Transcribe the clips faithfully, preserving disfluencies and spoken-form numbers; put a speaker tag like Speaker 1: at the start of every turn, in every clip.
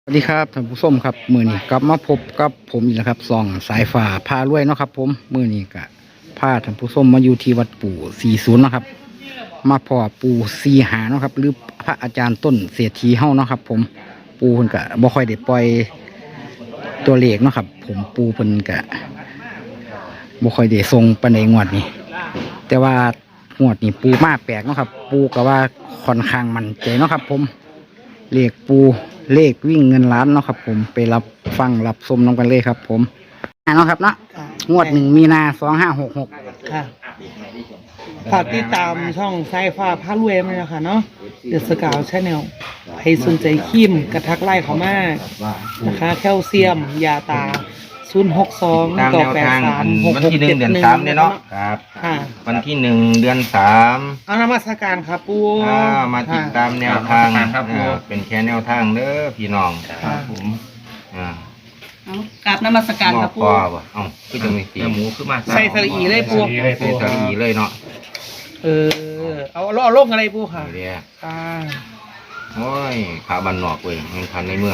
Speaker 1: สวัสดีครับท่านผู้ชมครับมือนี้กลับมาพบกับผมอีกแล้วครับส่องสายฝ่าพารวยเนาะครับผมมือนี้กะพาท่านผู้ชมมาอยู่ที่วัดปู่สี่ศูนย์เนาะครับมาพอปู่สี่หาเนาะครับหรือพระอาจารย์ต้นเศรษฐีเฮาเนาะครับผมปู่เพิ่นกะบ่ค่อยได้ปล่อยตัวเลขเนาะครับผมปู่เพิ่นกะบ่ค่อยได้ทรงปานใดงวดนี้แต่ว่างวดนี้ปู่มาแปลกเนาะครับปู่ก็ว่าค่อนข้างมั่นใจเนาะครับผมเลขปู่เลขวิ่งเงินล้านเนาะครับผมไปรับฟังรับชมน้องกันเลยครับผมอ่าเนาะครับเนาะงวดหนึ่งมีนาสองห้าหกหก
Speaker 2: ค่ะฝากติดตามช่องสายฟ้าพารวยไหมนะคะเนาะเดอะสกาวชาแนลใครสนใจครีมกระทักไล่เขามานะคะแคลเซียม ยาตา ศูนย์ หก สอง
Speaker 3: ตาม
Speaker 2: ต่อ
Speaker 3: แนว
Speaker 2: แปด
Speaker 3: ทาง
Speaker 2: สาม หก
Speaker 3: วัน
Speaker 2: หก
Speaker 3: ที่หนึ่
Speaker 2: เจ็
Speaker 3: ง
Speaker 2: ด
Speaker 3: เดือน
Speaker 2: หนึ่ง
Speaker 3: สามเนี่ยเนาะครับ
Speaker 2: ค่ะ
Speaker 3: วันที่หนึ่งเดือนสาม
Speaker 2: เอานมัสการครับปู
Speaker 3: อ่ามาติดตามแนวทาง
Speaker 4: ครับผม
Speaker 3: อ่าเป็นแค่แนวทางเด้อพี่น้อง
Speaker 2: ครับผม
Speaker 3: อ่า
Speaker 5: เอากราบนมัสการ
Speaker 3: หม้อ
Speaker 5: ครับ
Speaker 3: ป
Speaker 5: ปู
Speaker 3: อบ่เอ้าคือจะมีสี
Speaker 4: เนื้อหมูขึ้นมา
Speaker 2: ใส่สลีเลยปู
Speaker 3: ใส่สลีเลยเนาะ
Speaker 2: เออเอาเอาเอาลงอะไรปูค่ะ
Speaker 3: นี่เดีย
Speaker 2: อ่า
Speaker 3: โอ้ยขาบันนอกเว้ยมันพันในเมือง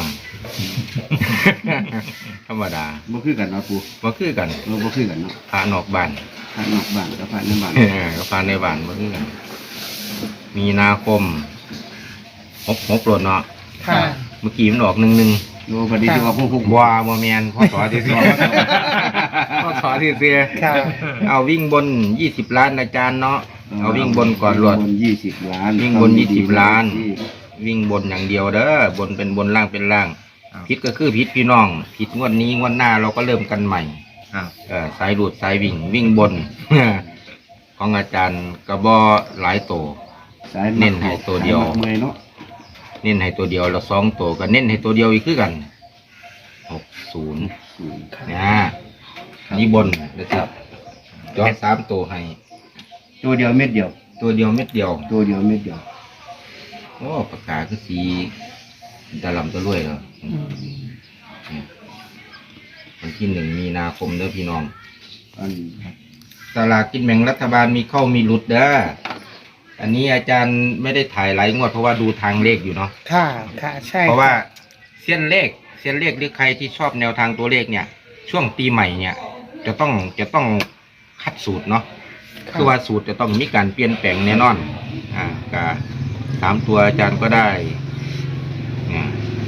Speaker 3: ธรรมดา
Speaker 4: บ่คือกันเนาะปู
Speaker 3: บ่คือกัน
Speaker 4: เราบ่คือกันเนาะ
Speaker 3: พานอกบ้าน
Speaker 4: ทางนอกบ้านกับทางในบ้าน
Speaker 3: เออก็พานในบ้านบ่คือกัน มีนาคมหกหกโปรดเนาะ
Speaker 2: ค่ะ
Speaker 3: เมื่อกี้มันออกหนึ่งหนึ่ง
Speaker 4: โลพอดีที่ว่าพวกพวก
Speaker 3: บัวบัวแมนพ่อสอที่เสียพ่อสอที่เสีย
Speaker 2: ค่ะ
Speaker 3: เอาวิ่งบนยี่สิบล้านอาจารย์เนาะเอาวิ่งบนก่อนรวด
Speaker 4: บนยี่สิบล้าน
Speaker 3: วิ่งบนยี่สิบล้าน วิ่งบนอย่างเดียวเด้อบนเป็นบนล่างเป็นล่างผิดก็คือผิดพี่น้องผิดงวดนี้งวดหน้าเราก็เริ่มกันใหม่
Speaker 4: ครับ
Speaker 3: เออสายหลุดสายวิ่งวิ่งบน ของอาจารย์กระบอหลายโต
Speaker 4: สาย
Speaker 3: เน้นให้ตัวเดียว
Speaker 4: สามักเมอยเนาะ
Speaker 3: เน้นให้ตัวเดียวแล้วสองโตก็เน้นให้ตัวเดียวอีกคือกันหกศูนย์
Speaker 4: ศูนย์
Speaker 3: นะนี่บนนะครับจอสามตัวให้
Speaker 4: ตัวเดียวเม็ดเดียว
Speaker 3: ตัวเดียวเม็ดเดียว
Speaker 4: ตัวเดียวเม็ดเดียว
Speaker 3: โอ้ปากกาคือสีตะลำตะลุ่ยแล้ว
Speaker 2: อืม
Speaker 3: เนี่ยวันที่หนึ่งมีนาคมเด้อพี่น้อง
Speaker 4: อัน
Speaker 3: สลากกินแบ่งรัฐบาลมีเข้ามีหลุดเด้ออันนี้อาจารย์ไม่ได้ถ่ายหลายงวดเพราะว่าดูทางเลขอยู่เนาะ
Speaker 2: ค่ะค่ะใช่
Speaker 3: เพราะว่าเส้นเลขเส้นเลขหรือใครที่ชอบแนวทางตัวเลขเนี่ย ช่วงปีใหม่เนี่ย จะต้องจะต้องคัดสูตรเนาะ
Speaker 2: ค่ะ
Speaker 3: คือว่าสูตรจะต้องมีการเปลี่ยนแปลงแน่นอน อ่าก็สามตัวอาจารย์ก็ได้เนี่ย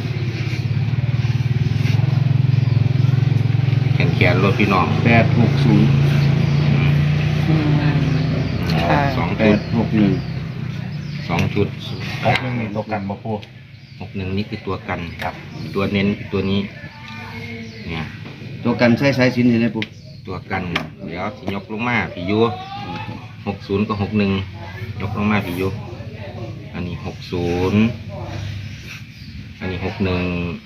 Speaker 3: แขนแขนรถพี่น้อง
Speaker 4: แปดหกศูนย์
Speaker 2: อืมค่ะ
Speaker 3: สอง
Speaker 4: แป
Speaker 3: ชุด
Speaker 4: ดหกหนึ่ง
Speaker 3: สองชุด
Speaker 4: หกหนึ่งนี่ตกกันบ่ปู
Speaker 3: หกหนึ่งนี่คือตัวกันครับ ตัวเน้นคือตัวนี้ เนี่ย
Speaker 4: ตัวกันใช้สายสินเห็นไหมปู
Speaker 3: ตัวกัน เดี๋ยวสิยกลงมาพี่ยูหกศูนย์กับหกหนึ่งยกลงมาพี่ยูอันนี้หกศูนย์อันนี้หกหนึ่ง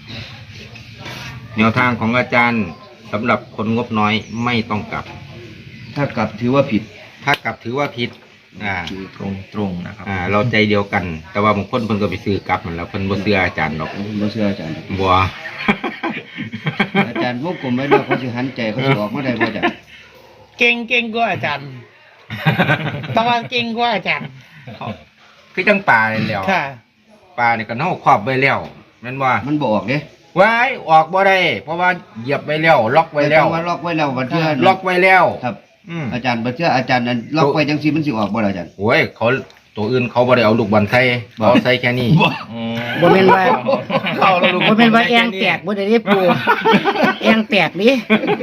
Speaker 3: แนวทางของอาจารย์สำหรับคนงบน้อยไม่ต้องกลับ
Speaker 4: ถ้ากลับถือว่าผิด
Speaker 3: ถ้ากลับถือว่าผิด อ่า
Speaker 4: ตรงตรงนะครับ
Speaker 3: อ่า เราใจเดียวกัน แต่ว่าบางคนเพิ่นก็ไปซื้อกลับมันแล้วเพิ่นบ่เชื่ออาจารย์หรอก
Speaker 4: ผมบ่เชื่ออาจารย์
Speaker 3: บัว
Speaker 4: อาจารย์พวกกลมไว้แล้วเขาสิหันใจเขาสิออกมาได้บ่อาจารย์
Speaker 2: เก่งเก่งกว่าอาจารย์ต้องว่าเก่งกว่าอาจารย์
Speaker 3: คือจังปลาเลยแล้ว
Speaker 2: ค่ะ
Speaker 3: ปลาเนี่ยก็เน่าครอบไว้แล้วแม่นว่า
Speaker 4: มันบ่ออกเด้
Speaker 3: ไว้ออกบ่ได้เพราะว่าเหยียบไว้แล้ว ล็อกไว้แล้ว
Speaker 4: ต่ว่าล็อกไว้แล้วบัดเทื่อ
Speaker 3: ล็อกไว้แล้ว
Speaker 4: ครับ
Speaker 3: อืม
Speaker 4: อาจารย์บัดเทื่ออาจารย์นั้นล็อกไว้จังซี่มันสิออกบ่ล่ะอาจารย์
Speaker 3: โอ้ยเขาตัวอื่นเขาบ่ได้เอาลูกบอลไทยเขาใส่แค่นี้
Speaker 1: บ่แม่นว่า
Speaker 3: เขาเอาลูก
Speaker 1: บ่แม่นว่าแองแตกบ่ได้เด้ปูแองแตกดิ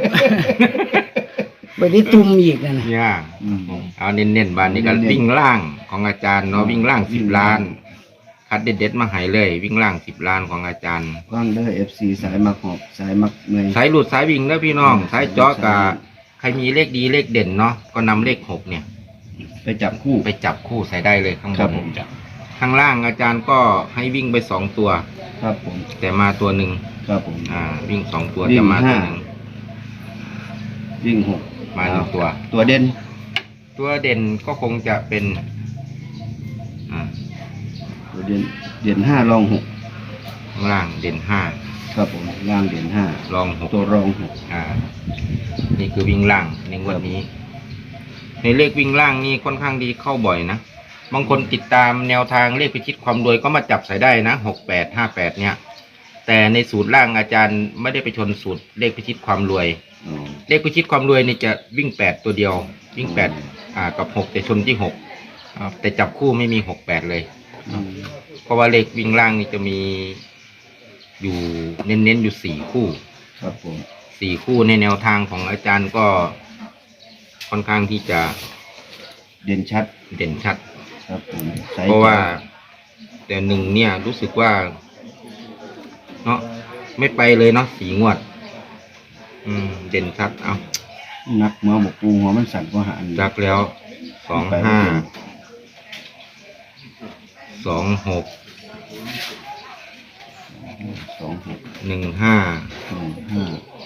Speaker 1: บ่ได้ตุ่มอีกนั่นน่ะ
Speaker 3: เนี่ย
Speaker 4: อืม
Speaker 3: เอาเน้นๆบานนี้ก็
Speaker 4: เน้นๆ
Speaker 3: วิ่งล่างของอาจารย์เนาะวิ่งล่างสิบล้าน คัดเด็ดๆมาให้เลย วิ่งล่างสิบล้านของอาจารย์
Speaker 4: ฟังเด้อ เอฟ ซี สายมักหอบสายมักเมอย
Speaker 3: สายหลุดสายวิ่งเด้อพี่น้องสายเจาะกะใครมีเลขดีเลขเด่นเนาะก็นำเลขหกเนี่ย
Speaker 4: ไปจับคู่
Speaker 3: ไปจับคู่ใส่ได้เลยข้างบ
Speaker 4: ครับ
Speaker 3: น
Speaker 4: ผม
Speaker 3: ข้างล่างอาจารย์ก็ให้วิ่งไปสองตัว
Speaker 4: ครับผม
Speaker 3: แต่มาตัวหนึ่ง
Speaker 4: ครับผม
Speaker 3: อ่า วิ่งสองตัว
Speaker 4: วิ่ง
Speaker 3: จะมาตัว
Speaker 4: ห้า
Speaker 3: หนึ่ง
Speaker 4: วิ่งหก
Speaker 3: มาหนึ่งตัว
Speaker 4: ตัวเด่น
Speaker 3: ตัวเด่นก็คงจะเป็นอ่า
Speaker 4: ตัวเด่นเด่นห้ารองหก
Speaker 3: ข้างล่างเด่นห้า
Speaker 4: ครับผมล่างเด่นห้าร
Speaker 3: องหก
Speaker 4: ตัวรองหก
Speaker 3: อ่า นี่คือวิ่งล่างในงวันนี้ ในเลขวิ่งล่างนี่ค่อนข้างดีเข้าบ่อยนะบางคนติดตามแนวทางเลขพิชิตความรวยก็มาจับใส่ได้นะหกแปดห้าแปดเนี่ยแต่ในสูตรล่างอาจารย์ไม่ได้ไปชนสูตรเลขพิชิตความรวย
Speaker 4: อ๋อ
Speaker 3: เลขพิชิตความรวยนี่จะวิ่งแปดตัวเดียว วิ่งแปดอ่ากับหกแต่ชนที่หกแต่จับคู่ไม่มีหกแปดเลย
Speaker 4: อืม
Speaker 3: เพราะว่าเลขวิ่งล่างนี่จะมีอยู่เน้นๆอยู่สี่คู่
Speaker 4: ครับผม
Speaker 3: สี่คู่ในแนวทางของอาจารย์ก็ค่อนข้างที่จะ
Speaker 4: เด่นชัด
Speaker 3: เด่นชัด
Speaker 4: ครับผมใส่
Speaker 3: เพราะว่าแต่หนึ่งเนี่ยรู้สึกว่าเนาะไม่ไปเลยเนาะสีงวด อืม เด่นชัดเอา
Speaker 4: นักเมื่อหมกปูหัวมันสั่นกว่าหาอัน
Speaker 3: จักแล้วสองห้าสองหก
Speaker 4: สองหก
Speaker 3: หนึ่งห้า
Speaker 4: หนึ่งห้า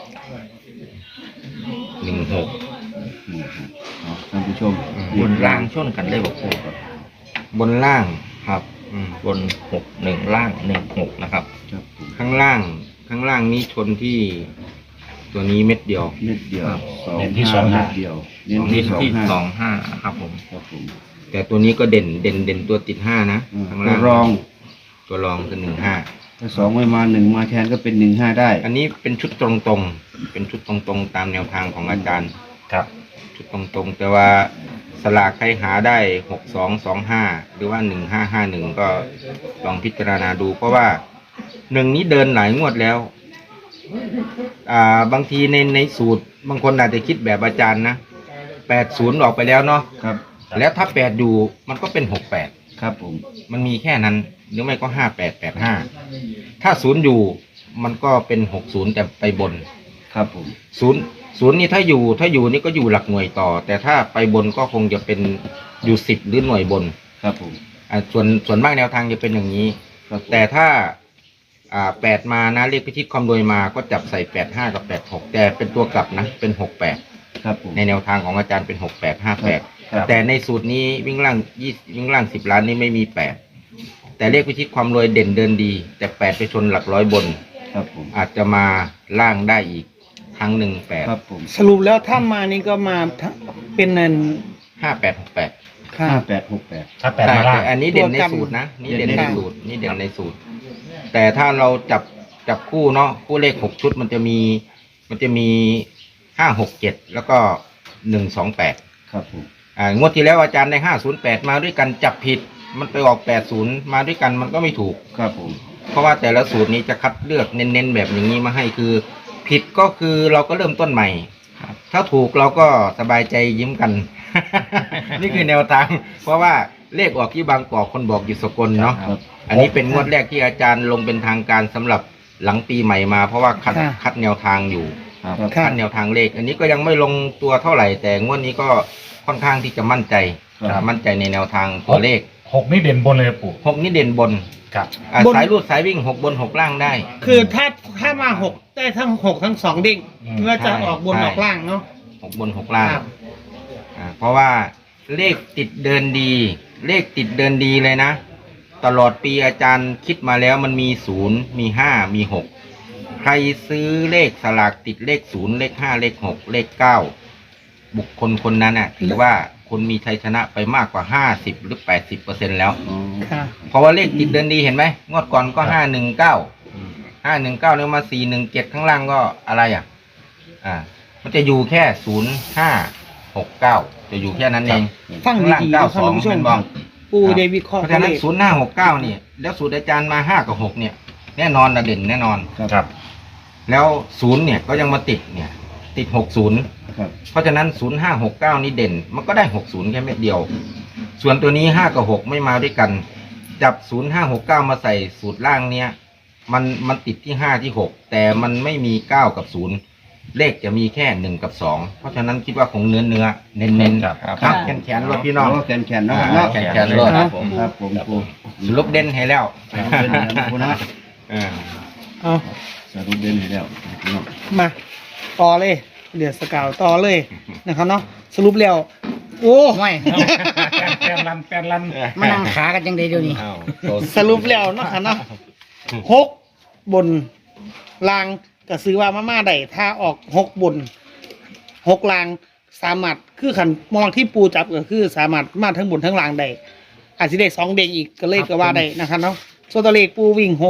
Speaker 3: หนึ่งหก
Speaker 4: หนึ่งหกเอาท่านผู้ชม
Speaker 3: บนล่างชนกันเลยบอกครูบนล่างครับอืมบนหกหนึ่งล่างหนึ่งหกนะครับ
Speaker 4: ครับผม
Speaker 3: ข้างล่าง ข้างล่างนี้ชนที่ตัวนี้เม็ดเดียว
Speaker 4: เม็ดเดียว
Speaker 3: ครับ
Speaker 4: สอง
Speaker 6: เน้นที่
Speaker 4: ห้า
Speaker 6: สองห้า
Speaker 4: เม็ดเดียวเน้น
Speaker 3: ที่
Speaker 4: ที่สอง
Speaker 3: ที่
Speaker 4: ห้า
Speaker 3: สองห้าครับผม
Speaker 4: ครับผม
Speaker 3: แต่ตัวนี้ก็เด่นเด่นเด่นตัวติดห้านะ
Speaker 4: อืม
Speaker 3: ข้าง
Speaker 4: ตั
Speaker 3: ล่าว ง
Speaker 4: รอง
Speaker 3: ตัวรองคือหนึ่งห้า
Speaker 4: ถ้าสองไม่มาหนึ่งมาแทนก็เป็นหนึ่งห้าได้
Speaker 3: อันนี้เป็นชุดตรงๆ เป็นชุดตรงๆ ตามแนวทางของอาจารย์
Speaker 6: ครับ
Speaker 3: ชุดตรงๆ แต่ว่าสลากใครหาได้หกสองสองห้าหรือว่าหนึ่งห้าห้าหนึ่งก็ลองพิจารณาดู เพราะว่าหนึ่งนี้เดินหลายงวดแล้ว อ่าบางทีในในสูตร บางคนอาจจะคิดแบบอาจารย์นะแปดศูนย์ออกไปแล้วเนาะ
Speaker 4: ครับ
Speaker 3: แล้วถ้าแปดอยู่มันก็เป็นหกแปด
Speaker 4: ครับผม
Speaker 3: มันมีแค่นั้น หรือไม่ก็ห้าแปดแปดห้าถ้าศูนย์อยู่มันก็เป็นหกศูนย์แต่ไปบน
Speaker 4: ครับผม
Speaker 3: ศูนย์ศูนย์นี่ถ้าอยู่ถ้าอยู่นี่ก็อยู่หลักหน่วยต่อ แต่ถ้าไปบนก็คงจะเป็นอยู่สิบหรือหน่วยบน
Speaker 4: ครับผม
Speaker 3: อ่าส่วนส่วนมากแนวทางจะเป็นอย่างนี้
Speaker 4: ครับผม
Speaker 3: แต่ถ้าอ่าแปดมานะเลขพิชิตความรวยมาก็จับใส่แปดห้ากับแปดหกแต่เป็นตัวกลับนะเป็นหกแปด
Speaker 4: ครับผม
Speaker 3: ในแนวทางของอาจารย์เป็นหกแปดห้าแปด
Speaker 4: ครับ
Speaker 3: แต่ในสูตรนี้วิ่งล่างยี่วิ่งล่างสิบล้านนี่ไม่มีแปดแต่เลขพิชิตความรวยเด่นเดินดี แต่แปดไปชนหลักร้อยบน
Speaker 4: ครับผม
Speaker 3: อาจจะมาล่างได้อีกครั้งหนึ่งแปด
Speaker 4: ครับผม
Speaker 2: สรุปแล้วถ้ามานี่ก็มาทั้งเป็นนัน
Speaker 3: ห้าแปดหกแปด
Speaker 2: ค่ะ
Speaker 4: ห้าแปดหกแปด
Speaker 6: ถ้าแปด
Speaker 3: ใช่
Speaker 6: มาล่าง
Speaker 3: แต่อันนี้เด่นใน
Speaker 2: ตัวกัน
Speaker 3: สูตรนะนี่เด่น
Speaker 4: เด่น
Speaker 3: ใน
Speaker 4: ใน
Speaker 3: สูตรนี่เด่นในสูตร แต่ถ้าเราจับจับคู่เนาะคู่เลขหกชุดมันจะมีมันจะมีห้าหกเจ็ดแล้วก็หนึ่งสองแปด
Speaker 4: ครับผม
Speaker 3: อ่างวดที่แล้วอาจารย์ในห้าศูนย์แปดมาด้วยกันจับผิด มันไปออกแปดศูนย์มาด้วยกันมันก็ไม่ถูก
Speaker 4: ครับผม
Speaker 3: เพราะว่าแต่ละสูตรนี้จะคัดเลือกเน้นๆแบบอย่างนี้มาให้คือ ผิดก็คือเราก็เริ่มต้นใหม่ ถ้าถูกเราก็สบายใจยิ้มกัน นี่คือแนวทาง เพราะว่าเลขออกที่บางกอกคนบอกอยู่สกลเนาะ
Speaker 4: ครับ
Speaker 3: อันนี้เป็นงวดแรกที่อาจารย์ลงเป็นทางการสำหรับหลังปีใหม่มา เพราะว่าคัด
Speaker 2: ค่ะ
Speaker 3: คัดแนวทางอยู่
Speaker 4: ครับ
Speaker 2: ค่ะ
Speaker 3: คัดแนวทางเลข อันนี้ก็ยังไม่ลงตัวเท่าไหร่ แต่งวดนี้ก็ค่อนข้างที่จะมั่นใจ
Speaker 4: ครับ
Speaker 3: มั่นใจในแนวทางตัวเลข
Speaker 6: หกนี่เด่นบนเลยปู่
Speaker 3: หกนี่เด่นบน
Speaker 6: ครับ
Speaker 3: อ่ะ
Speaker 2: บน
Speaker 3: สายรูดสายวิ่งหกบนหกล่างได้
Speaker 2: คือถ้าถ้ามาหกได้ทั้งหกทั้งสองเด้ง
Speaker 6: อืม
Speaker 2: เพื่อจะ
Speaker 3: ใช่
Speaker 2: ออกบน
Speaker 3: ใช่
Speaker 2: ออกล่างเนาะ
Speaker 3: หกบนหกล่าง
Speaker 2: ครับ
Speaker 3: อ่าเพราะว่าเลขติดเดินดี เลขติดเดินดีเลยนะ ตลอดปีอาจารย์คิดมาแล้วมันมีศูนย์มีห้ามีหกใครซื้อเลขสลากติดเลขศูนย์เลขห้าเลขหกเลขเก้าบุคคลคนนั้นน่ะถือว่าคนมีชัยชนะไปมากกว่าห้าสิบหรือแปดสิบเปอร์เซ็นแล้ว
Speaker 4: อ๋อ
Speaker 2: ค่ะ
Speaker 3: เพราะว่าเลขติดเดินดีเห็นไหมงวดก่อนก็ห้าหนึ่งเก้าห้าหนึ่งเก้าแล้วมาสี่หนึ่งเจ็ดข้างล่างก็อะไรอ่ะ อ่า มันจะอยู่แค่ศูนย์ห้าหกเก้าจะอยู่แค่นั้นเอง
Speaker 2: ฟัง
Speaker 3: ข้างล่าง
Speaker 2: ดีๆ
Speaker 3: เก้า
Speaker 2: นะ
Speaker 3: ส
Speaker 2: ท่าน
Speaker 3: อง
Speaker 2: ผู้ชม
Speaker 3: เป็นบอง
Speaker 2: ปูเดวิดคอ
Speaker 3: เพ
Speaker 2: ร์
Speaker 3: ราะฉะนั้น
Speaker 2: เลข
Speaker 3: ศูนย์ห้าหกเก้านี่แล้วสูตรอาจารย์มาห้ากับหกเนี่ย แน่นอนนะเด่นแน่นอน
Speaker 4: ครับ
Speaker 6: ครับ
Speaker 3: แล้วศูนย์เนี่ยก็ยังมาติดเนี่ย ติดหกศูนย์
Speaker 4: ครับ
Speaker 3: เพราะฉะนั้นศูนย์ห้าหกเก้านี่เด่น มันก็ได้หกศูนย์แค่เม็ดเดียว ส่วนตัวนี้ห้ากับหกไม่มาด้วยกัน จับศูนย์ห้าหกเก้ามาใส่สูตรล่างเนี้ยมันมันติดที่ห้าที่หกแต่มันไม่มีเก้ากับศูนย์เลขจะมีแค่หนึ่งกับสองเพราะฉะนั้นคิดว่าคงเนื้อเนื้อเน้นเน้น
Speaker 6: ครับ
Speaker 3: ครับแขนแขนรถพี่น้อง
Speaker 4: โแขนแขนๆเนาะ
Speaker 3: อ่า
Speaker 4: เนาะ
Speaker 3: แขนแขนรถ
Speaker 4: ครับผมครับผมครู
Speaker 3: สรุปเด่นให้แล้ว
Speaker 4: สรุปเด่นให้แล้วนะ
Speaker 3: เออ
Speaker 2: เอา
Speaker 4: สรุปเด่นให้แล้วพี่น้อง
Speaker 2: มาต่อเลยเดือดสกาวต่อเลยนะครับเนาะสรุปแล้วโอ้
Speaker 1: ไม่
Speaker 6: แปดลันแปดลัน
Speaker 1: มานั่งขากันจังไดเดี๋ยวนี้
Speaker 3: อ้าว
Speaker 2: สรุปแล้วเนาะค่ะเนาะหกบนลางก็ซื้อว่ามาม่าได้ถ้าออกหกบนหกลางสามารถคือขันมองที่ปูจับก็คือสามารถมาทั้งบนทั้งลางได้อาจจะได้สองเด้งอีกก็เลยก็ว่าได้นะครับเนาะส่วนตัวเลขปูวิ่งหก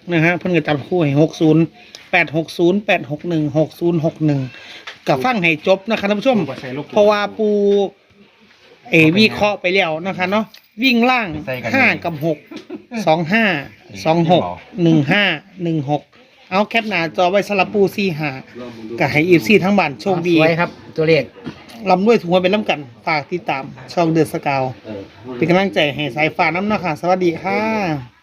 Speaker 2: นะฮะเพิ่นก็จับคู่ให้หกศูนย์แปดหกศูนย์แปดหกหนึ่งหกศูนย์หกหนึ่งกับฟังให้จบนะคะท่านผู้ชม เพราะว่าปูเอวิเคราะห์ไปแล้วนะคะเนาะวิ่งล่างห้ากับหกสองห้าสองหกหนึ่งห้าหนึ่งหกเอาแคปหน้าจอไว้สลับปูซีหากับให้อีฟซีทั้งบ้านโชคดี
Speaker 1: สวยครับ ตัวเลข
Speaker 2: ลำด้วยถุงเป็นล้ำกันฝากติดตามช่องเดือดสกาวเป็นกำลังใจให้สายฟ้าน้ำนะคะสวัสดีค่ะ